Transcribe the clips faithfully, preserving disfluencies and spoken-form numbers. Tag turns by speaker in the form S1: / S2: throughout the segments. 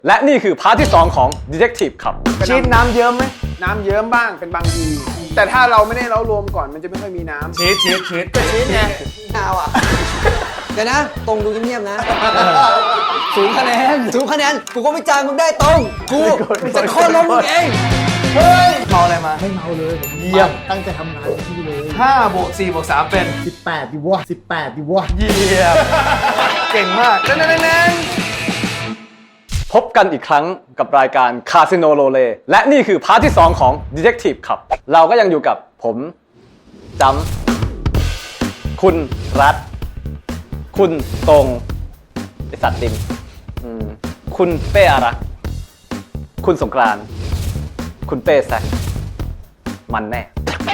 S1: และนี่คือพาร์ทที่สองของ Detective ครับชีสน้ำเยิ้มไหมน้ำเยิ้มบ้างเป็นบางทีแต่ถ้าเราไม่ได้เล้ารวมก่อนมันจะไม่ค่อยมีน้ำชีสชีสชีสก็ชีสไง
S2: เอาอ่ะเดี๋ยวนะตรงดูเงียบๆนะศูนย์คะแนนศูนย์คะแนนกูก็ไม่จ่ายมึงได้ตรงกูจะโค่นล้มมึงเอง
S1: เฮ้ยเมาอะไรมา
S3: ไม่เมาเลยผม
S1: เยี่ยม
S3: ตั้งใจทำงานที่เลย
S1: ห้าบวกสี่บวกสามเป็น
S3: สิบแปดดิวะสิบแปดดิวะ
S1: เยี่ยมเก่งมากเน่นพบกันอีกครั้งกับรายการ Casino Roulette และนี่คือพาร์ทที่สองของ Detective ครับเราก็ยังอยู่กับผมจำคุณรัฐคุณตรงไอสัตว์ติมคุณเป้อารักษ์คุณสงกรานต์คุณเป้แซคมันแน่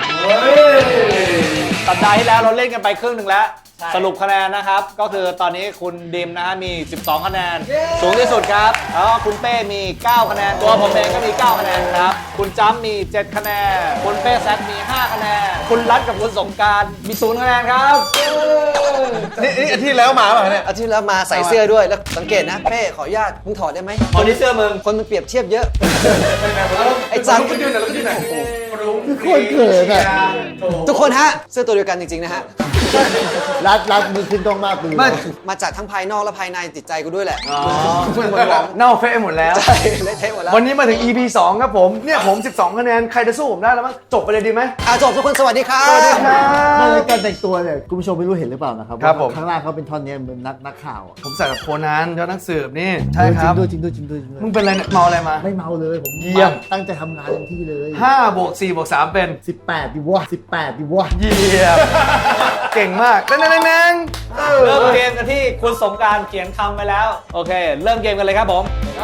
S4: สัปดาห์ที่แล้วเราเล่นกันไปครึ่งหนึ่งแล้วสรุปคะแนนนะครับก็คือตอนนี้คุณดิมนะฮะมีสิบสองคะแนนสูงที่สุดครับแล้วก็คุณเป้มีเก้าคะแนนตัวผมเองก็มีเก้าคะแนนครับคุณจ้ำมีเจ็ดคะแนนคุณเป้แซคมีห้าคะแนนคุณรัฐกับคุณสงกรานต์มีศูนย์คะแนนครับ
S1: นี่นี่อาทิตย์แล้วมาป่ะเนี่ย
S2: อาทิตย์แล้วมาใส่เสื้อด้วยแล้วสังเกตนะเป้ขออนุญาตมึงถอดได้ไหม
S4: คนที่เสื้อมึง
S2: คนมันเปรียบเทียบเยอะไอ้จัง
S3: โคตรเขินอ่ะ
S2: ทุกคนฮะเสื้อตัวเดียวกันจริงๆนะฮะ
S3: รัดรัดมือขึ้นต้องมากปืน
S2: มาจากทั้งภายนอกและภายในจิตใจกูด้วยแหละ
S1: เน่าเฟะหมดแล้ว
S2: ใช่เละเทะหมดแล้ว
S1: วันนี้มาถึง อี พี สองครับผมเนี่ยผมสิบสองคะแนนใครจะสู้ผมได้แล้วมั้งจบไปเลยดีไหม
S2: อ่ะจบทุกคนสวัสดีครับ
S1: สวัสดีครับ
S3: ในการแต่งตัวเนี่ยคุณผู้ชมไม่รู้เห็นหรือเปล่านะครับ
S1: ครับผม
S3: ข้างล่างเขาเป็นท่อนนี้เหมือนนักนักข่าว
S1: ผมใส่แบบโคนันยอดนักสืบนี่ใช่ครับ
S3: จริงด้วยจริงด้วยจริงด้วย
S1: มึงเป็นอะไรเมาอะไรมา
S3: ไม่เมาเลยผม
S1: เยี่ยม
S3: ตั้งใจทำงานเต็มที่เลย
S1: ห้าบวกสี่บวกสามเป็น
S3: สิบแปดดิวะสิบแปดดิวะ
S1: เยี่ยมเก่งมากเน่นเน่น
S4: เริ่มเกมกันที่คุณสงกรานต์เขียนคำไปแล้วโอเคเริ่มเกมกันเลยครับผม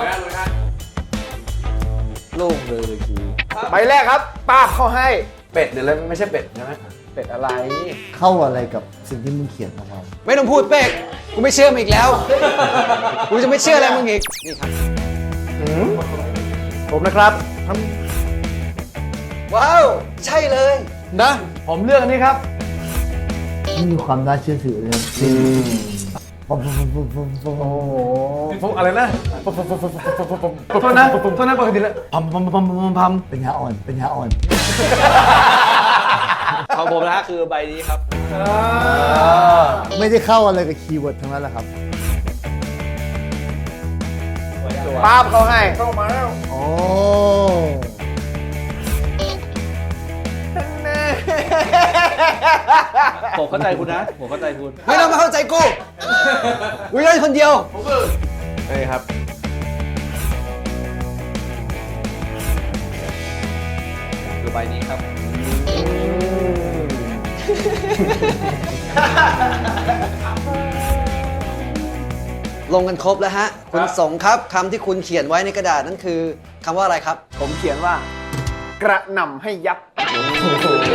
S2: โล่งเลยเลยกู
S1: ใบแรกครับป้าบเข้าให้เป็ดเดี๋ยวเลยไม่ใช่เป็ดใช่ไหมเป็ดอะไร
S3: เข้าอะไรกับสิ่งที่มึงเขียนของเรา
S2: ไม่ต้องพูดเป๊กกูไม่เชื่อมึงอีกแล้วกูจะไม่เชื่ออะไรมึงอีกนี่ครับ
S1: ผมนะครับ
S2: ว้าวใช่เลย
S1: นะผมเลือกอันนี้ครับ
S3: ไม่มีความน่าเชื่อถือเลย
S1: อืมโอ้โหพวกอะไรนะพวกโทษนะโทษนะปกติแล้วพัมพัมพัมพัมพัม
S3: เป็นยาอ่อนเป็นยาอ่อน
S4: ของผมนะคือใบนี้ครับ
S3: ไม่ได้เข้าอะไรกับคีย์เวิร์ดทั้งนั้นแหละครับ
S1: ป้าบเขาให้เข้ามาแล้ว
S3: โอ้
S4: ผมเข้าใจคุณนะผมเข้าใจคุณ
S2: ไม่ต้องมาเข้าใจกูกูเล่นคนเดียว
S1: นี่ครับ
S4: คือใบนี้ครับ
S2: ลงกันครบแล้วฮะคุณสงครับคำที่คุณเขียนไว้ในกระดาษนั่นคือคำว่าอะไรครับ
S1: ผมเขียนว่ากระหน่ำให้ยับโอ้โห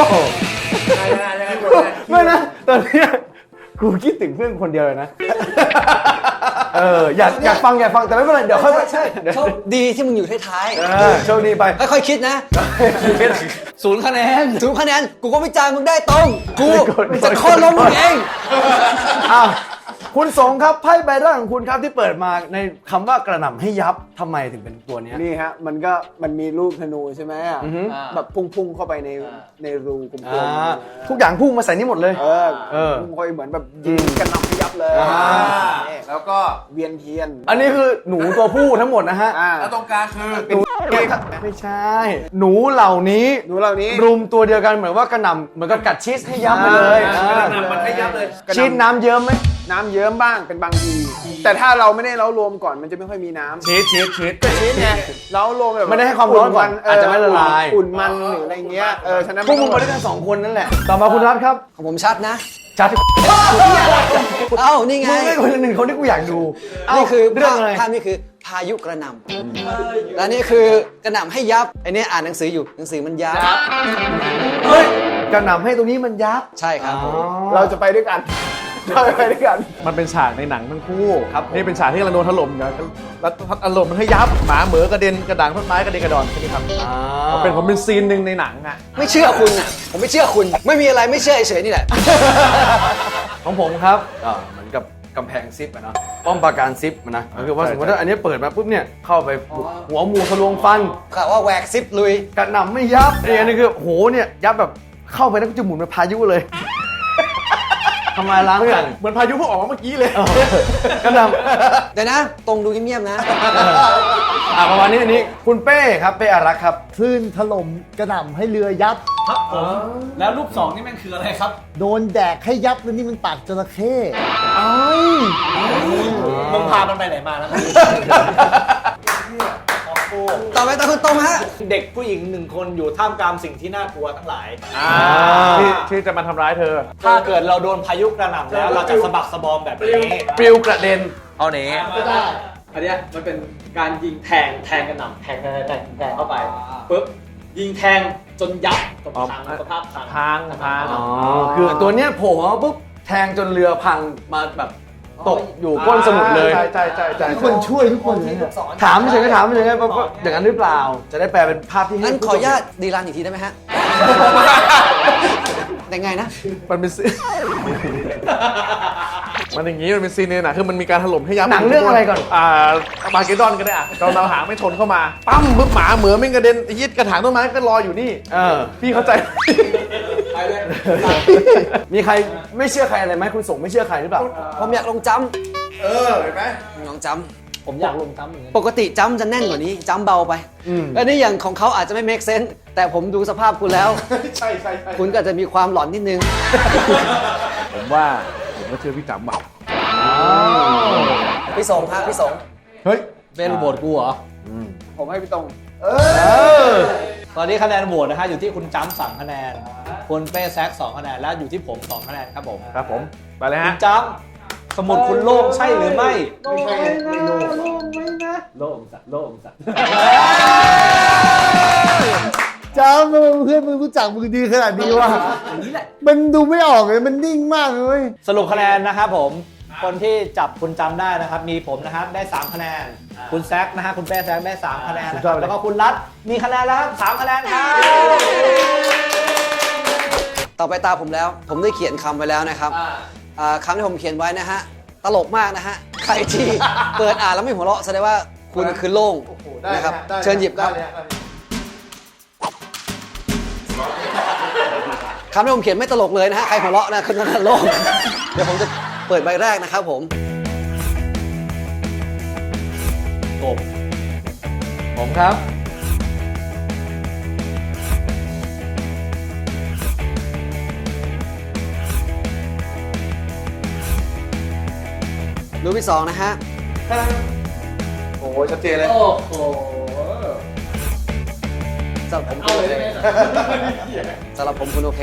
S1: ไม่นะตอนนี้กูคิดถึงเพื่อนคนเดียวเลยนะเอออยากอยากฟังอยากฟังแต่ไม่เป็นไรเดี๋ยวค่อยใช่
S2: โชคดีที่มึงอยู่ท้าย
S1: ๆโชคดีไป
S2: ค่อยๆคิดนะศูนย์คะแนนศูนย์คะแนนกูก็ไม่จ่ายมึงได้ตรงกูจะโค่นล้มมึงเอง
S1: อ้าวคุณสงครับไพ่ใบแรกของคุณครับที่เปิดมาในคำว่ากระหน่ำให้ยับทำไมถึงเป็นตัวนี้
S5: นี่ฮะมันก็มันมีลูกธนูใช่ไหมอ่ะแบบพุ่งๆเข้าไปในในรูกลม
S1: ๆทุกอย่างพุ่งมาใส่นี่หมดเลย
S5: เออเออพุ่งคอยเหมือนแบบยิงกระหน่ำให้ยับเลยแล้วก็เวียนเทียน
S1: อันนี้คือหนูตัวผู้ทั้งหมดนะฮะ
S5: แล้วตรงกลางคือ
S1: หนูไม่ใช่หนูเหล่านี้
S5: หนูเหล่านี้
S1: รุมตัวเดียวกันเหมือนว่ากระหน่ำเหมือนกับกัดชีสให้ยับไปเลย
S5: กระหน่ำมันให้ยับเลย
S1: ชีสน้ำเยิ้มไหม
S5: น้ำเยิ้มบ้างเป็นบางทีแต่ถ้าเราไม่ได้เล้ารวมก่อนมันจะไม่ค่อยมีน้ำ
S1: ชีสชีสชีส
S5: ก็ชีสไงเล้ารวมแบบ
S1: ไม่ได้ให้ความร้อนก่อนอาจจะไม่ละลาย
S5: อุ่นมันหรืออะไรเงี้ยเออฉะนั้น
S1: พวกมึงมาด้วยกันสองคนนั่นแหละต่อมาคุณรัฐครับ
S2: ของผมชัดนะ
S1: ชัด
S2: เอ้านี่ไง
S1: มึงไม่คนหนึ่งคนที่กูอยากดู
S2: นี่คือเรื่องอะไรภาพนี่คือพายุกระหน่ำและนี่คือกระหน่ำให้ยับไอ้นี่อ่านหนังสืออยู่หนังสือมันยับ
S1: เฮ้ยกระหน่ำให้ตรงนี้มันยับ
S2: ใช่ครับ
S5: เราจะไปด้วยกันเราไปด้วยกัน
S1: มันเป็นฉากในหนังทั้งคู่ครับนี่เป็นฉากที่เราโดนถล่มนะแล้วอารมณ์มันให้ยับหมาเหมือกระเด็นกระด่างต้นไม้กระเด็นกระดอนใช่ไหมครับเป็นผมเป็นซีนหนึ่งในหนังอ่ะ
S2: ไม่เชื่อคุณอ่ะผมไม่เชื่อคุณไม่มีอะไรไม่เชื่อเฉยๆนี่แหละ
S1: ของผมครับเหมือนกับก
S6: กำแพงซิปอะเนาะป้อมปราการซิปอะนะก็คือว่าสมมติว่าอันนี้เปิดมาปุ๊บเนี่ยเข้าไปหัวหมูทะลวงฟัน
S2: ข่าวว่าแหวกซิปลุย
S6: กระหน่ำไม่ยับเนี่ยอันนี้คือโหเนี่ยยับแบบเข้าไปแล้วก็จะหมุนเป็นพายุเลยทำไมล้างกัน
S3: เหมือนพายุเพิ่งออกมาเมื่อกี้เลย
S6: กระหน่ำ
S2: เดี๋ยวนะ ตรงดูเงียบๆนะ
S6: อ่าประมาณนี้อันนี้คุณเป้ครับเป้อารักษ์ครับ
S3: คลื่นถล่มกระหน่ำให้เรือยับ
S4: ครับผมแล้วรูปสองนี่มันคืออะไรครับ
S3: โดนแดกให้ยับแล้วนี่มันปากจระเข้
S4: มึงพามันไปไหนมาแล้ว
S2: ต่อไปตาคุณตรงฮะ
S4: เด็กผู้หญิงหนึ่งคนอยู่ท่ามกลางสิ่งที่น่ากลัวทั้งหลาย
S3: ที่ที่จะมาทำร้ายเธอ
S4: ถ้าเกิดเราโดนพายุกระหน่ำแล้วเราจะสะบักสะบอมแบบนี้
S6: ปลิวกระเด็น
S4: เอาเนี้
S1: อันเนี้ยมันเป็นการยิงแทงแทงกระหน่ำแทงแทงแทงแทงเข้าไปปุ๊บยิงแทงจนยับจนพังสภาพพัง
S3: พังพัง
S6: อ๋อคือตัวเนี้ยโผล่มาปุ๊บแทงจนเรือพังมาแบบตกอยู่ก้นสมุทรเลย
S3: ใช่ใช่ใช่ใช่ทุกคนช่วยทุกคนเลยเนี่ย
S6: ถามเฉยๆถามเฉยๆว่าอย่างนั้นหรือเปล่า จะได้แปลเป็นภาพที่ให้
S2: งั้นขออนุญาตดีรันอีกทีได้ไหมฮะ แต่ไงนะ
S3: มันเป็นซีมันอย่างนี้มันเป็นซีนเนี่ยนะคือมันมีการถล่มให้ยับ
S6: หนังเรื่องอะไรก่อน
S3: อ่ามาเกดอนก็ได้อ่ะเราเราหางไม่ชนเข้ามาปั้มปึ๊บหมาเหมือไม่งกระเด็นไอ้ยีดกระถางต้นไม้ก็รออยู่นี่
S6: เออ
S3: พี่เข้าใจ
S6: มีใครไม่เชื่อใครอะไรไหมคุณส่งไม่เชื่อใครหรือเปล่า
S2: ผมอยากลงจัมป์
S3: เออเห็นไหม
S2: ลงจัมป์
S4: ผมอยากลงจ้ำเหมือนกัน
S2: ปกติจัมป์จะแน่นกว่านี้จัมป์เบาไปอันนี้อย่างของเขาอาจจะไม่ make sense แต่ผมดูสภาพคุณแล้ว
S3: ใช่ใช่ใช่
S2: คุณก็จะมีความหลอนนิดนึง
S3: ผมว่าผมก็เชื่อพี่จำอ่ะ
S2: พี่สงครับพี่สง
S3: เฮ้ย
S4: เป็นโหวตกูเหรอ
S5: ผมให้พี่ตรง
S4: ตอนนี้คะแนนโหวตนะฮะอยู่ที่คุณจ้ำสามคะแนนคุณเป้แซกสองคะแนนและอยู่ที่ผมสองคะแนนครับผม
S3: ครับผมไปเลย
S4: คุ
S3: ฮะ
S4: ณจ้ำสมุดคุณโล่งใช่หรือไม่
S3: ไม่ใช่ไม่โล
S1: โล่งสัตว์โล่งสัตว์
S3: จำมึงเพื่อนมึงรู้จักมึงดีขนาดนี้วะมันดูไม่ออกเลยมันนิ่งมากเลย
S4: สรุปคะแนนนะครับผมคนที่จับคุณจำได้นะครับมีผมนะครับได้สามคะแนนคุณแซกนะฮะคุณเป้แซกได้สามคะแนนนะครับแล้วก็คุณรัฐมีคะแนนแล้วครับสามคะแนนครับ
S2: ต่อไปตาผมแล้ว ผมได้เขียนคำไว้แล้วนะครับอ่าคำที่ผมเขียนไว้นะฮะ ตลกมากนะฮะ ใครที่เปิดอ่านแล้วไม่หัวเราะแสดงว่าคุณคือโล่งนะครับ เชิญหยิบครับคำที่ผมเขียนไม่ตลกเลยนะฮะ ใครหัวเราะนะคือนั่นโล่ง เดี๋ยวผมจะเปิดใบแรกนะครับผม
S4: กบ
S6: ผมครับ
S2: รูปที่สองนะฮะ
S3: โอ้โหชัดเจนเลย
S1: โอ้โห
S2: สำหรับผมคุณโอเคสำหรับผมคุณโอเค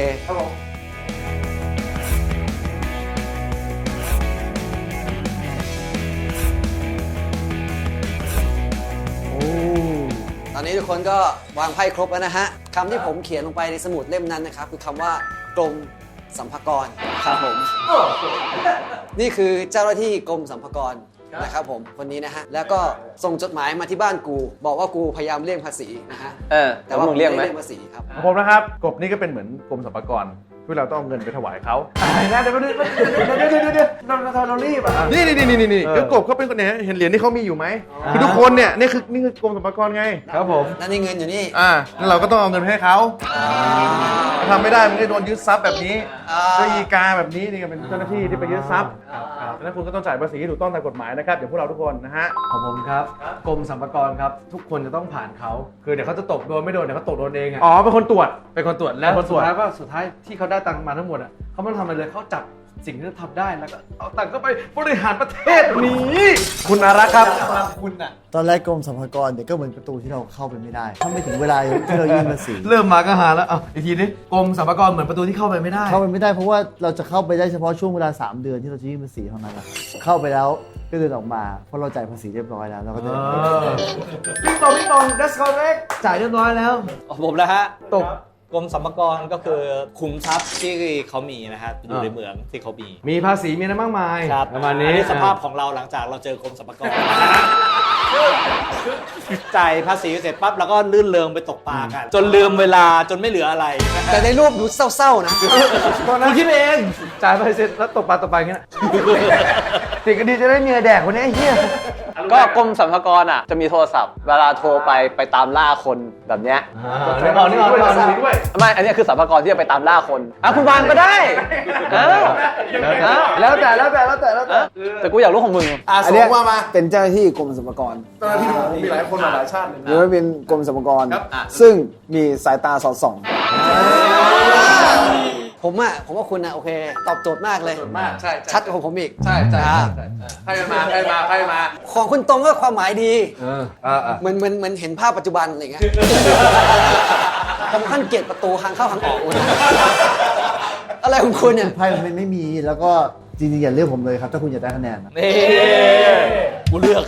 S2: ตอนนี้ทุกคนก็วางไพ่ครบแล้วนะฮะคำที่ผมเขียนลงไปในสมุดเล่มนั้นนะครับคือคำว่ากรมสรรพากรครับผมนี่คือเจ้าหน้าที่กรมสรรพากรนะครับผมคนนี้นะฮะแล้วก็ส่งจดหมายมาที่บ้านกู บอกว่ากูพยายามเลี่ยงภาษีนะฮะ
S1: เออ
S2: แต่ว่า
S1: มึงเรียกไหม
S2: ด้เลี่ยงภาษีครับ
S3: ของผมนะครับกบนี่ก็เป็นเหมือนกรมสรรพากรที่เราต้องเอาเงินไปถวายเขาเดี๋ยวเดี๋ยวเดี๋ยวเดี๋ยวเดี๋ยวเดี๋ยวเราเรารีบอ่ะนี่นี่นี่นี่นี่คือกบเขาเป็นคนเนี่ยเห็นเหรียญที่เขามีอยู่ไหมคือทุกคนเนี่ยนี่คือนี่คือกรมสรรพากรไงครับผม
S2: นั่นนี่เงินอยู่นี่
S3: อ่าแล้วเราก็ต้องเอาเงินไปให้เขาทำไม่ได้มันก็โดนยึดทรัพย์แบบนี้
S2: อ่า
S3: ด้วยอีกาแบบนี้นี่ก็เป็นเจ้าหน้าที่ที่ไปยึดทรัพย์ดังนั้นคุณก็ต้องจ่ายภาษีที่ถูกต้องตามกฎหมายนะครับอย่างพวกเราทุกคนนะฮะ
S6: ของผมครับกรมสรรพากรครับทุกคนจะต้องผ่านเขาคือเดี๋ยวเขาจะตกโดนไม่โดนเดี๋ยวเขาตกโดนเองอ่ะ
S3: อ๋อเป็นคนตรวจ
S6: เป็นคนตรวจแล้ว
S3: เป็นคนตร
S6: สุ
S3: ว
S6: ด
S3: จ
S6: ท้ายว่าสุดท้ายที่เขาได้ตังค์มาทั้งหมดอ่ะเขาไม่ต้องทำอะไรเลยเขาจับสิ่งที่เขาทำได้แล้วก็เอาตังค์เข้าไปบริหารประเทศนี้คุณอารักษ์ครับ
S4: คุณอ่ะ
S3: ตอนแรกกรมสรรพากรเนี่ยก็เหมือนประตูที่เราเข้าไปไม่ได้ ถ้าไม่ถึงเวลาที่เรายื่นภาษี
S6: เริ่มมาก็หาแล้วอ่ะอีกทีนี้กรมสรรพากรเหมือนประตูที่เข้าไปไม่ได้
S3: เข้าไปไม่ได้เพราะว่าเราจะเข้าไปได้เฉพาะช่วงเวลาสามเดือนที่เราจะยื่นภาษีเท่านั้นแหละเข้าไปแล้วก็เดินออกมาเพราะเราจ่ายภาษีเรียบร้อยแล้วเราก็จะ
S6: พี่ตองพี่ตอง that's correct จ่ายเรียบร้อยแล้ว
S4: ของผมนะฮะ
S6: ตก
S4: กรมสรรพากรก็คือคุมทรัพย์ที่เขามีนะฮะอยู่ใน
S6: อ่า
S4: เมืองที่เขามี
S6: มีภาษีมีอะไรมากมาย
S4: ครับ
S6: ประมาณนี้
S4: อันนี้สภาพของเราหลังจากเราเจอกรมสรรพากร จจ่ายภาษีเสร็จปั๊บแล้วก็ลื่นเริงไปตกปลากัน จนลืมเวลาจนไม่เหลืออะไร
S2: แต่ในรูปดูเศร้าๆนะ
S6: คุณคิดเองจ่ายไปเสร็จแล้วตกปลาตกปลาอย่างเงี้ยติดกันดีจะได้เมียแดกคนนี้ไอ้เหี้ย
S1: ก็กรมสรรพากรอ่ะจะมีโทรศัพท์ เวลาโทรไปไปตามล่าคนแบบเนี้ย
S6: นี่เอานี่เอานี่เอานี่ด้วย
S1: ไม่อันนี้คือสรรพากรที่จะไปตามล่าคนอ่ะคุณวางก็ได้เออเออ
S6: แล้วแต่แล้วแต่แล้วแต่แล้วแต่
S1: แต่กูอยากรู้ของมึง
S4: อ่ะ
S5: อัน
S4: ส่
S5: เนี้ย
S4: งว่ามา
S5: เป็นเจ้าหน้าที่กรมสรรพากร
S3: เจ้าหน้าที่มีหลายคนมาหลายชาติเลย
S5: หรือว่าเป็นกรมสรรพากร
S3: ครับ
S5: ซึ่งมีสายตาสอดส่อง
S2: ผมอ่ะผมว่าคุณอ่ะโอเค ตอบโจทย์มากเลย
S3: มากใช่
S2: ชัดกว่าของผมอีก
S3: ใช่ใช่
S2: อ่า
S3: ใครมาใครมาใครมา
S2: ของคุณตรงก็ความหมายดี
S6: เอออ่าอ่า
S2: เหมือนเหมือนเหมือนเห็นภาพปัจจุบันอะไรเงี้ย ผมขั้นเกลียดประตูทางเข้าทางออกเลยอะไรของคุณเนี่ย
S7: ไพ่มันไม่มีแล้วก็จริงๆอย่าเลือกผมเลยครับ ถ้าคุณอยากได้คะแนนนะ
S4: นี่กูเลือก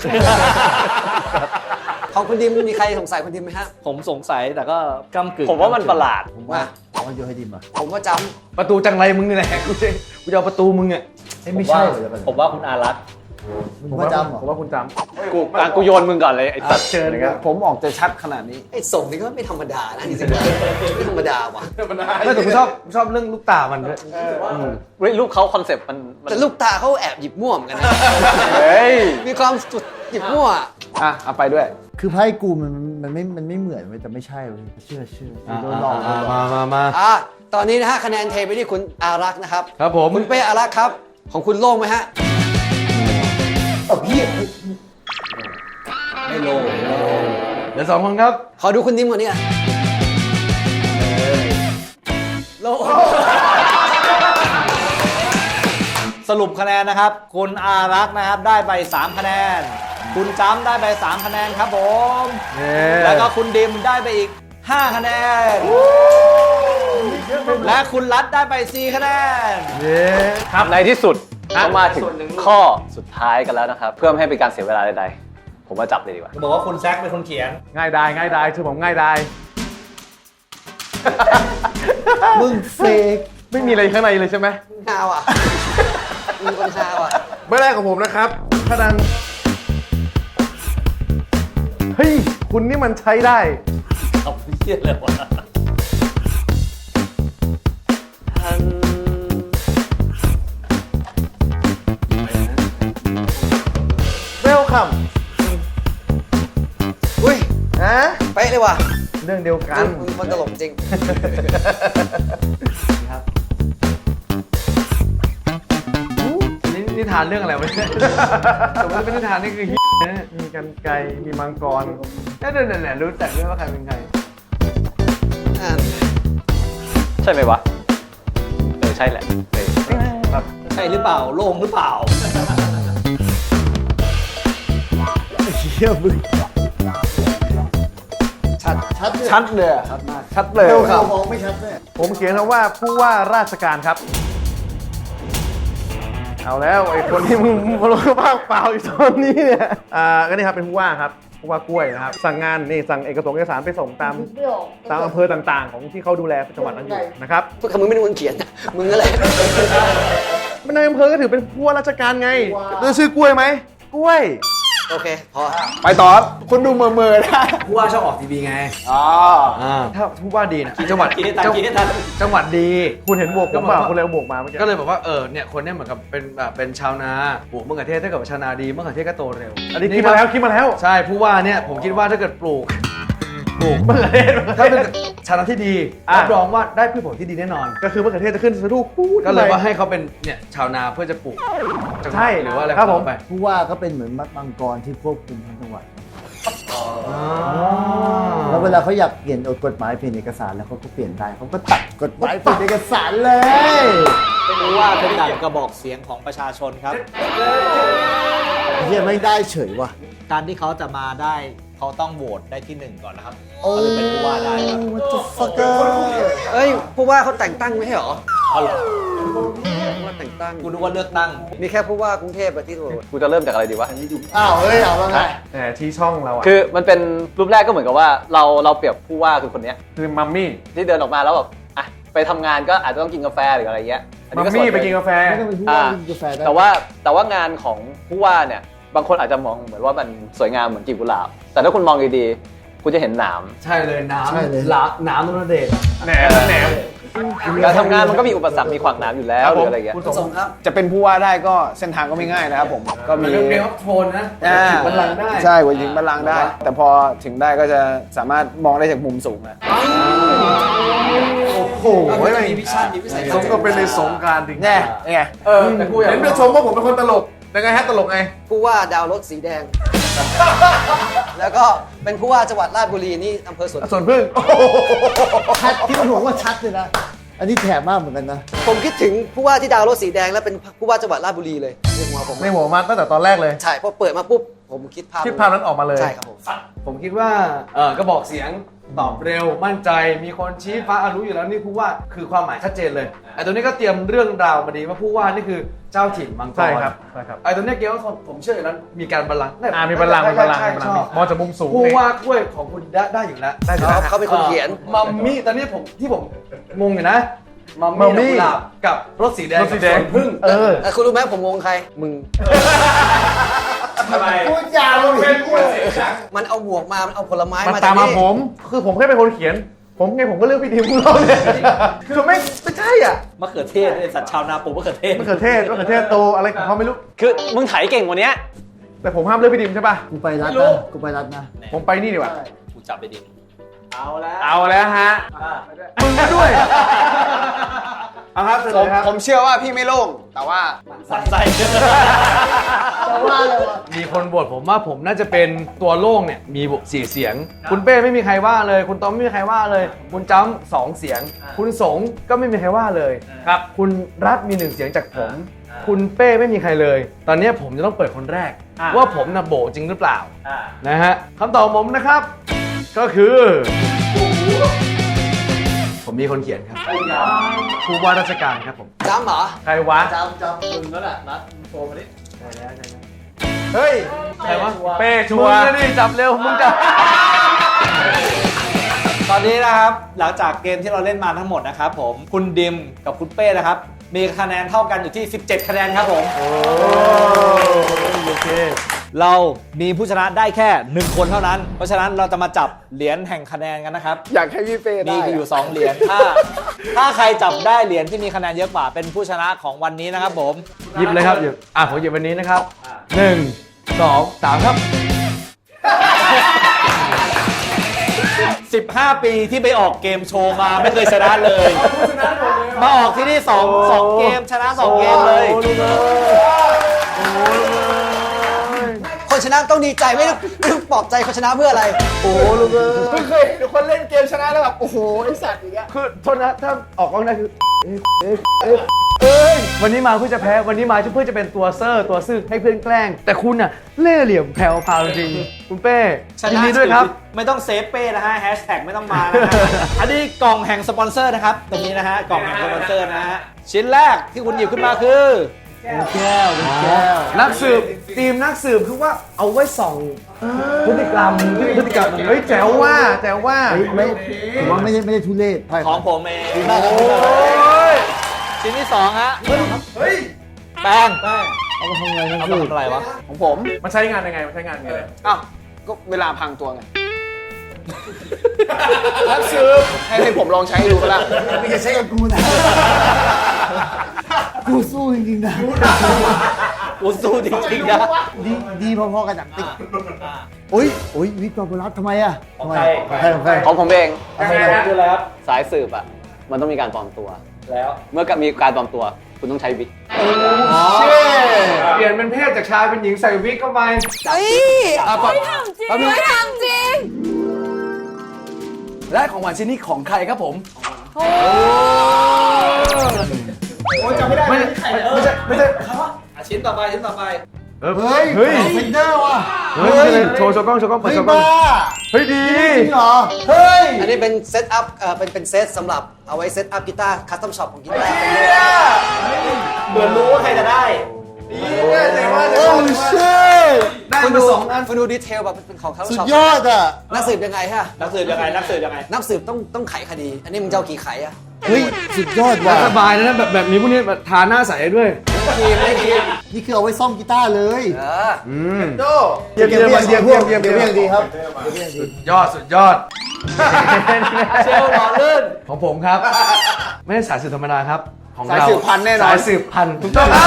S2: ของคุณดิมมีใครสงสัยคุณดิมไหมฮะ
S4: ผมสงสัยแต่ก็ก้ำกึ่ง
S1: ผมว่ามันประหลาด
S7: ผมว่าผมว่าโยนให้ดิมอ่ะ
S2: ผมว่าจ
S6: ประตูจังไรมึงนี่แหละกูจะกูจะเอาประตูมึงอ่ะ
S7: เอ้ยไม่ใช่เหรอเดี๋ยวก่อน
S4: ผมว่าคุณอารักษ์
S7: มึงว่าจำเหรอ
S3: ผมว่าคุณจ
S1: กูอ่ะกูโยนมึงก่อนเลยไอ้สัตว์
S3: ำเชิญครับ
S5: ผมออกจะชัดขนาดนี้
S2: ำไอ้ส่งนี่ก็ไม่ธรรมดานะจริงๆไม่ธรรมดาว่ะ
S6: ไม่แต่กูชอบชอบเรื่องลูกตามันด้วย
S1: เฮ้ยรูปเขาคอนเซปต์มันมัน
S2: แต่ลูกตาเขาแอบหยิบม่วเหมอนกันนะ
S1: เฮ้ย
S2: มีความสุดหยิบมั่ว
S5: อ่ะ เอาไปด้วย
S7: คือไพ่กูมันมันไม่มันไม่เหมือนเว้ยแต่ไม่ใช่เว้ยเชื่อเชื่อโดนหลอกโดนหลอก
S6: มามามา
S2: อ่ะตอนนี้นะฮะคะแนนเทไปที่คุณอารักษ์นะครับ
S6: ครับผม
S2: คุณเป้อารักษ์ครับ ของคุณโล่งไหมฮะ
S7: เอ้าพี่
S2: ไม่โล่ง
S6: เดี๋ยวสองคนครับ
S2: ขอดูคุณดิมก่อนเนี่ยโล่ง
S4: สรุปคะแนนนะครับ คุณอารักษ์นะครับได้ไปสามคะแนน คุณจ้ำได้ไปสามคะแนนครับผม แล้วก็คุณดิมได้ไปอีกห้าคะแนน และคุณรัฐได้ไปสี่คะแนน
S6: เย้
S1: ครับในที่สุดก็มาถึงข้อสุดท้ายกันแล้วนะครับ เพื่อไม่ให้เป็นการเสียเวลาใดๆผมมาจับเลยดีกว่า
S4: บอกว่าคุณแซคเป็นคนเขียน
S3: ง่ายได้ง่ายได้ชื่อผมง่ายได้
S7: มึงเฟก
S3: ไม่มีอะไรข้างในเลยใช่ไหม
S2: ฮาวอ่ะมีคนฮาวอ่ะ
S3: ใบแรกของผมนะครับถ้าดังเฮ้ย คุณนี่มันใช้ได้
S4: เอาเยี่ยเลยวะ
S3: เวลคัม
S2: อุ้ย
S3: ฮะ
S2: เป๊ะเลยว่ะ
S3: เรื่องเดียวกัน
S2: มึงคนตลกจริง
S6: นี่นิทานเรื่องอะไรวะเนี่ยแต่ว่าเป็นนิทานนี่คือเหี้ยนะ
S3: มีกันไกรมีมังกร
S6: เนี่ยเนี่ยเนี่ยรู้จักด้วยว่าใครเป็นใคร
S2: อ่า
S1: ใช่ไหมวะเออใช่แหละเออครับ
S4: ใช่หรือเปล่า โล่งหรือเปล่า
S7: เชี่ยมึง
S5: ชัด
S7: ชัดเลย
S5: ชัดเลยอะชัดมาก
S3: ชัดเลย
S7: เรามองไม่ชัดเลย
S3: ผมเขียนคำว่าผู้ว่าราชการครับ เอาแล้วไอ้คนที่มึงมึงรู้บ้างเปล่าอยู่ตอนนี้เนี่ยอ่าก็นี่ครับเป็นผู้ว่าครับผู้ว่ากล้วยนะครับ สั่งงานนี่สั่งเอกสารเอกสารไปส่งตามตามอำเภอต่างๆ ของที่เขาดูแลจังหวัดนั้นอยู่นะครับ
S2: พูดคำมึงไม่ได้คนเขียน มึงนั่นแหละ
S3: มันในอำเภอก็ถือเป็นผู้ว่าราชการไงแล้วชื่อกล้วยไหมกล้วย
S2: โอเค พอ
S5: ไปต่อครับคุณดูเมื่อเมื่อนะ
S6: ผู้ว่าชอบออกทีวีไง
S5: อ๋อ
S6: ถ้าผู้ว่าดีนะจังหวัด
S4: คิดให้ทันคิดให้ทัน
S6: จังหวัดดี
S3: คุณเห็นบวกผมเปล่าคุณเลยเอาบวกมาเมื่อกี้
S6: ก็เลยบอกว่าเออเนี่ยคนเนี้ยเหมือนกับเป็นแบบเป็นชาวนาปลูกมะเขือเทศถ้าเกิดว่าชาวนาดีมะเขือเทศก็โตเร็ว
S3: อันนี้คิดมาแล้วคิดมาแล้ว
S6: ใช่ผู้ว่าเนี่ยผมคิดว่าถ้าเกิดปลูกปลูก
S3: มะเขือเทศ
S6: ถ้าเป็นชาวนาที่ดี
S3: อ่ะ
S6: รับรองว่าได้พืชผลที่ดีแน่นอน
S3: ก็คือมะเขือเทศจะขึ้นสะดุ้งปู๊ด
S6: ก็เลย
S3: ขึ้นไป
S6: ว่าให้เขาเป็นเนี่ยชาวนาเพื่อจะปลูกจังหวัด
S3: ใช่
S6: หรือว่าอะไร
S3: ครับผม
S6: ไป
S7: ผู้ว่าก็เป็นเหมือนมังกรที่ควบคุมทั้งจังหวัด แล้วเวลาเขาอยากเปลี่ยนกฎหมายเปลี่ยนเอกสารแล้วเขาก็เปลี่ยนได้เขาก็ตัดกฎหมายเปลี่ยนเอกสารเลย
S4: รู้ว่าเป็นดั่งกระบอกเสียงของประชาชนครับ
S7: เฮียไม่ได้เฉยว่ะ
S4: การที่เขาจะมาได้เขาต้องโหวตได้ที่หนึ่งก่อนนะครับ
S7: โอ้
S4: เขาถึงเป็นผู้ว่าได้ครับ
S7: what the fucker
S2: เอ้ย ผู้ว่าเขาแต่งตั้งไม่ใช่เหรอ
S4: เอาเหรอ
S2: ผู้ว่าแต่งตั้ง
S4: กูนึกว่าเลือกตั้ง
S2: มีแค่ผู้ว่ากรุงเทพอะที่ถูก
S1: กูจะเริ่มจากอะไรดีวะ
S7: อ้าวเฮ้ยเอาแล้วไง
S3: แหมที่ช่องเราอ่ะ
S1: คือมันเป็นรูปแรกก็เหมือนกับว่าเราเราเปรียบผู้ว่าคือคนเนี้ย
S3: คือมัมมี่
S1: ที่เดินออกมาแล้วแบบอ่ะไปทำงานก็อาจจะต้องกินกาแฟหรืออะไรเงี้ยอัน
S3: มั
S1: นี้
S3: ม
S1: ก็ส่วน
S3: มี่
S1: หนึ่ง
S3: ไปกินกาแฟ
S7: ไม่ต้องเป็นผู้ว่ากินกาแฟได้
S1: แต่ว่าแต่ว่างานของผู้ว่าเนี่ยบางคนอาจจะมองเหมือนว่ามันสวยงามเหมือนกลีบกุหลาบ แต่ถ้าคุณมองดีๆคุณจะเห็นหนาม
S6: ใช่เลยน้ำ
S7: ใช่เลย
S6: ละน้ำนนเดช
S3: แหนมแหนม
S1: การทำงานมันก็มีอุปสรรคมีขวางหนามอยู่แล้วหรืออะไรอย่างเงี้ย
S3: คุณ
S2: คุณ
S3: ส
S2: ส
S3: ม
S2: งครับ
S5: จะเป็นผู้ว่าได้ก็เส้นทางก็ไม่ง่ายนะครับผมก็
S6: มัน
S5: มี
S6: เรื่องเกมออฟโทนนะ
S5: อ่า
S6: ถึงบัลลังก์ได้
S5: ใช่กว่าถึงบัลลังก์ได้ แต่พอถึงได้ก็จะสามารถมองได้จากมุมสูงอะ
S3: โอ้โห
S2: มีวิชั่นมีวิสัย
S3: สมกับเป็นในสงกรารจริง
S5: แน่ไง
S6: เออแต่กูอยาก
S3: เห็นไปชมว่าผมเป็นคนตลกยังไงฮะตลกไง
S2: ผู้ว่าดาวรถสีแดง แล้วก็เป็นผู้ว่าจังหวัดราชบุรีนี่อำเภอสวน
S3: ส่วนพึ่ง
S7: ชัดที่มันบอกว่าชัดเลยนะ อันนี้แถมมากเหมือนกันนะ
S2: ผมคิดถึงผู้ว่าที่ดาวรถสีแดงแล้วเป็นผู้ว่าจังหวัดราชบุรีเลยในหัวผม
S3: ในหัวมาตั้งแต่ตอนแรกเลย
S2: ใช่พอเปิดมาปุ๊บผมคิดภาพ
S3: คิดภาพนั้นออกมาเลย
S2: ใช่ครับผม
S6: ผมคิดว่าเออกระบอกเสียงตอบเร็วมั่นใจมีคนชี้ฟ้าอ่ะรู้อยู่แล้วนี่ผู้ว่าคือความหมายชัดเจนเลยไอ้ตัวนี้ก็เตรียมเรื่องราวมาดีว่าผู้ว่านี่คือเจ้าถิ่นมังกร
S3: ใช่ครับใช่ครับ
S6: ไอ้ตัวเนี้ยเกมว่าผมเชื่ออยู่แล้วมีการบัลลังก์
S3: อ่ามีบัลลังก์มีบัลลังก์
S6: ใช่
S3: มีบัล
S6: ใช่
S3: ลัง
S6: ช
S3: ก์
S6: อบ
S3: มองจากมุมสูง
S6: ผู้
S3: นี่
S6: ว่ากล้วยของคุณได้ได้อยู่แล้ว
S3: ได้อยู่
S2: เขา
S3: แล้ว
S2: เขาเป็นคนเขียน
S6: มัมมี่ตอนนี้ผมที่ผมงงอยู่นะมัม
S3: มัมมี่
S6: มี่ดอกกุหลาบกับรถสีแดง
S3: รถสีแดง
S6: กับสวนพึ่ง
S3: เออ
S2: แต่คุณรู้ไหมผมงงใคร มึง
S6: ทำไม
S7: พูดยาวเลย
S2: มันเอาหมวกมา มันเอาผลไม้
S3: มัน
S2: มา
S3: ตามมา
S2: จกนี่
S3: ผม คือผมแค่เป็นคนเขียน ผมไงผมก็เลือกพี่ดิมของเราเนี่ยคือไม่ไม่ใช่อ่ะ
S4: มะเขือเทศไอ้สัตว์ชาวนาปลูกมะเขือเทศ
S3: มะเขือเทศมะเขือเทศโตอะไรของเขาไม่รู้
S1: คือมึงไถเก่งกว่านี้
S3: แต่ผมห้ามเลือกพี่ดิมใช่ป่ะ
S7: กูไปรัดนะกูไปรัดนะ
S3: ผมไปนี่ดีกว่า
S4: กูจับไปดิ
S6: เอาแล้ว
S3: เอาแล้วฮะ มึงก็ด้วยเอาครับเสน
S5: ผม
S3: อครับ
S5: ผมเชื่อว่าพี่ไม่โล่ง แต่ว่า
S4: สัตว์ใจ
S7: แต่ว่าเลยวะ
S6: มีคนบทผมว่าผมน่าจะเป็นตัวโล่งเนี่ยมีสี่เสียง คุณเป้ไม่มีใครว่าเลย คุณต้อมไม่มีใครว่าเลย คุณจ้ำสองเสียง คุณสงก็ไม่มีใครว่าเลยครับคุณรัฐมีหนึ่งเสียงจากผม คุณเป้ไม่มีใครเลย ตอนนี้ผมจะต้องเปิดคนแรก ว่าผมน่ะโบจริงหรือเปล่านะฮะคำตอบของผมนะครับ ก็คือ ผมมีคนเขียนครับผู้ว่าราชการครับผม
S2: จำเหรอ
S3: ใครวะ
S7: จำจำมึงแล้วแหละนัดโทรมาดิ
S3: เฮ้ย
S6: ใครวะ
S3: เป้ชั
S6: มึ
S3: ว
S6: ง
S3: ร์
S6: จะดิจับเร็วมึงจะ
S4: ตอนนี้นะครับหลังจากเกมที่เราเล่นมาทั้งหมดนะครับผมคุณดิมกับคุณเป้นะครับ มีคะแนนเท่ากันอยู่ที่สิบเจ็ดคะแนนครับผม
S3: โอเค
S4: เรามีผู้ชนะได้แค่หนึ่งคนเท่านั้น เพราะฉะนั้นเราจะมาจับเหรียญแห่งคะแนนกันนะครับ
S5: อยากให้พี่เป้ได้
S4: มีอยู่สองเหรียญถ้าถ้าใครจับได้เหรียญที่มีคะแนนเยอะกว่าเป็นผู้ชนะของวันนี้นะครับผม
S6: หยิบเลยครับหยิบอ่ะผมหยิบวันนี้นะครับหนึ่งสองสามครับ
S4: สิบห้า ปีที่ไปออกเกมโชว์มาไม่เคยชนะเลย มาออกที่นี่สองสองเกมชนะสองเกมเลย
S2: คนชนะต้องดีใจไม่ต้องไม่ต้องปลอบใจคนชนะเพื่ออะไร
S3: โอ้ลูกเอ้ย
S5: เพิ่งเคยเห็นคนเล่นเกมชนะแล้วแบบ โอ้โห ไอสัตว์อย่างเงี้ย
S6: คือโทษนะถ้าออกกล้องได้คือเอ๊ะเอ๊ะเอ๊ะเอ้ยวันนี้มาเพื่อจะแพ้วันนี้มาเพื่อจะเป็นตัวเซอร์ตัวซื่อให้เพื่อนแกล้ง แต่คุณน่ะเล่ห์เหลี่ยมแผ่วพราวจริงๆคุณเป้
S4: ช
S6: ยิน
S4: นะ
S6: ดีด้วยครับ
S4: ไม่ต้องเซฟเป้นะฮะแฮชแท็กไม่ต้องมานะฮะ อันนี้กล่องแห่งสปอนเซอร์นะครับตรงนี้นะฮะกล่องแห่งสปอนเซอร์นะฮะชิ้นแรกที่คุณหยิบขึ้นมาคือ
S7: แก้วเป็นแก้ว
S6: นักสืบทีมนักสืบคือว่าเอาไว้ส่องพฤติกรรมพฤติกรรม
S3: เฮ้ยแจ๋วว่าแจ๋วว่า
S7: เฮ้ยไม่ผมว่าไม่ได้ไม่ได้ทุเรศไพ่
S4: ของผมเอง
S3: โอ้ย
S4: ชิ้นที่สองฮะ
S3: เฮ้ย
S4: แป้ง
S7: เอามาทำไงนัก
S4: เอา
S7: สื
S4: มา
S7: บ
S4: ทำอะไรวะ
S5: ของผม
S3: มันใช้งานยังไงมันใช้งานยังไง
S5: อ้าว ก็เวลาพังตัวไงนักสืบให้ให้ผมลองใช้ดูก็แล้ว
S7: ไม่ใช่กับกูนะกูสู้จริงๆนะ
S4: กูสู้จริงๆนะ
S7: ดีดีพอๆกับหนังติ๊กโอ้ยโอ้ยวิกตอร์บรัสทำไมอะทำไมของใครของใคร
S1: ของผมเอง
S3: ยังไงฮะ
S4: คืออะไรครับ
S1: สายสืบอ่ะมันต้องมีการปลอมตัว
S4: แล้ว
S1: เมื่อมีการปลอมตัว คุณต้องใช้วิก
S6: เปลี่ยนเป็นเพศจากชายเป็นหญิงใส่วิกเข้าไป
S2: เฮ้ย
S8: ไม่ทำจริงไม่ทำจริง
S6: และของหวานชิ้นนี้ของใครครับผม
S8: โอ้
S5: โอ้ยจำไม่ได้
S6: ไม่ไม่ใช่ไม่ใช่
S4: อ่ะชิ้นต่อไปชิ้นต่อไป
S7: เฮ้ย
S6: เฮ้ย
S7: เฟนเดอร์ว่ะ
S6: เฮ้ยโชว์โชว์กล้องโชว์กล้องเปิด
S7: เฮ้ย
S6: โชว์กล้อง
S7: บ้า
S6: เฮ้ยดี
S7: จริงเหรอเฮ้ย
S2: อันนี้เป็นเซตอัพเอ่อเป็นเป็นเซตสำหรับเอาไว้เซตอัพกีตาร์คัสตอมช็อปของกีตาร์
S4: เหมือนรู้ว่าใครจะได้
S3: แจ๋วว่า
S7: โอ้เช่
S6: ได้
S2: คุณ
S6: มา
S2: ดู
S6: สองอัน
S2: คุณดูดีเทลแบบเป็นของคัสตอม
S7: สุด
S2: ช็อป
S7: ยอดอ่ะ
S2: นักสืบยังไงฮะ
S4: นักสืบยังไงนักสืบยังไง
S2: นักสืบต้องต้องไขคดี อันนี้มึงจะเอากี่ไขอะ
S7: เฮ้ยสุดยอด
S6: และ
S7: ว่ะ
S6: สบายนะแบบแบบนี้พวกนี้แบบทาหน้าใสได้ด้วย
S2: เอครีมได้ครีม
S7: นี่คือเอาไว้ซ่อมกีตาร์เลย
S2: เออ
S3: โจ้เยี่ยมเยี่ยมเยี่ยมเยี่ยมเยี่ยม
S7: เดี๋
S3: เยี่
S7: ย
S3: ยว ม
S7: เรียงดีครับ
S6: ยอดสุดยอด
S2: เชลล์หล่อลื่น
S6: ของผมครับ ไม่ใช่สายสืบธรรมดาครับ ของ
S5: สาย
S6: เรา
S5: สืบพันธุ์แน่นอน
S6: สายสืบพันธุ์ถูกต้องครับ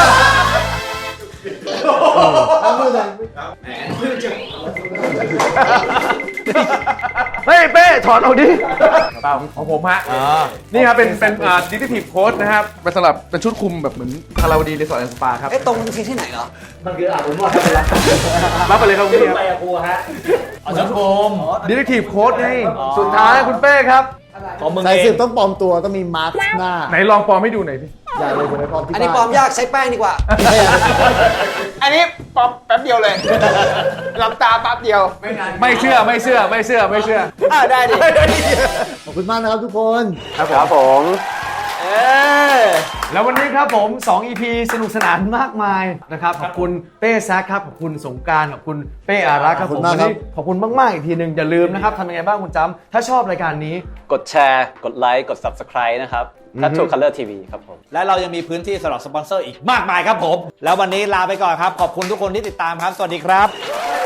S6: เฮ้ยเป้ถอดออกดิ
S3: เปล่าของผมฮะ
S6: อ่า
S3: นี่ครับเป็นเป็นอ่าดิจิทีฟโค้ดนะครับเป็นสำหรับเป็นชุดคลุมแบบเหมือนคาราวดีรีสอร์ทแอนด์สปาครับ
S2: เอ๊ะตรงมันคือที่ไหนเหรอ
S6: มันคืออาบอบนวดครับ
S3: รับไปเลยครับคุณพี่ครับ
S6: ไปกับครูฮะเอาสังคม
S3: ดิจิทีฟโค้ดไง
S6: สุดท้ายคุณเป้ครับ
S4: ของมึง
S7: สาย
S4: เอ
S7: สื
S4: ง
S7: บต้องปลอมตัวต้องมีมาร์คหน้า
S3: ไหนลองปลอมให้ดูหน่อยพี่
S7: อย่าเลยอย่าไปปลอมที่
S2: อันนี้ปล
S7: บ้า
S2: อมยากใช้แป้งดีกว่า
S5: อันนี้ป๊อปแป๊บเดียวเลยหลับตาแป๊บเดียว
S3: ไม่เชื่อไม่เชื่อไม่เชื่อไม่เชื่อ
S5: อ่าได้ดิ
S7: ขอบคุณมากนะครับทุกคน
S1: ครับผม
S2: เออ
S6: แล้ววันนี้ครับผม สอง อี พี สนุกสนานมากมายนะครับขอบคุณเป้แซคครับขอบคุณสงกรานต์ขอบคุณเป้อารักษ์ครับผมวันนี้ขอบคุณมากๆอีกทีหนึ่งอย่าลืมนะครับทำยังไงบ้างคุณจำถ้าชอบรายการนี้
S1: กดแชร์ กดไลค์ กด Subscribe นะครับ Tattoo Color ที วี ครับผม
S4: และเรายังมีพื้นที่สำหรับสปอนเซอร์อีกมากมายครับผม แล้ววันนี้ลาไปก่อนครับ ขอบคุณทุกคนที่ติดตามครับ สวัสดีครับ